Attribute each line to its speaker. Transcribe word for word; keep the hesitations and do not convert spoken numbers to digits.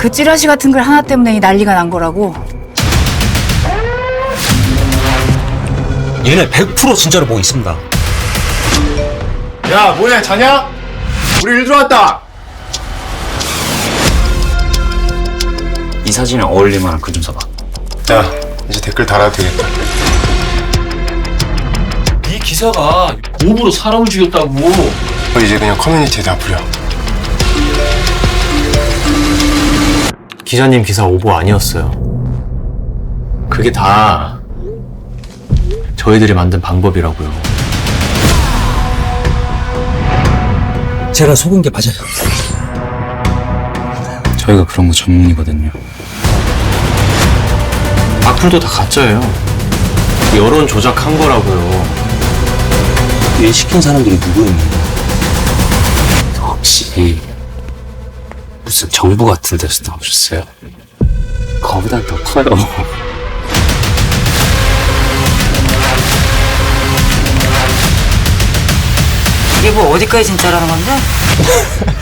Speaker 1: 그 찌라시 같은 글 하나 때문에 이 난리가 난 거라고.
Speaker 2: 얘네 백 퍼센트 진짜로 뭐 있습니다.
Speaker 3: 야, 뭐냐, 자냐? 우리 일 들어왔다.
Speaker 4: 이 사진에 어울릴 만한 글 좀 써봐.
Speaker 3: 야, 이제 댓글 달아도 되겠다.
Speaker 5: 이 기사가 오보로 사람을 죽였다고.
Speaker 3: 너 이제 그냥 커뮤니티에 다 뿌려.
Speaker 6: 기자님 기사 오보 아니었어요. 그게 다 저희들이 만든 방법이라고요.
Speaker 2: 제가 속은 게 맞아요.
Speaker 4: 저희가 그런 거 전문이거든요.
Speaker 6: 악플도 다 가짜예요. 여론 조작한 거라고요.
Speaker 2: 일 시킨 사람들이 누구였는데?
Speaker 4: 혹시 무슨 정부 같은 데서 나오셨어요? 거보다 더 커요.
Speaker 1: 이게 뭐 어디까지 진짜라는 건데?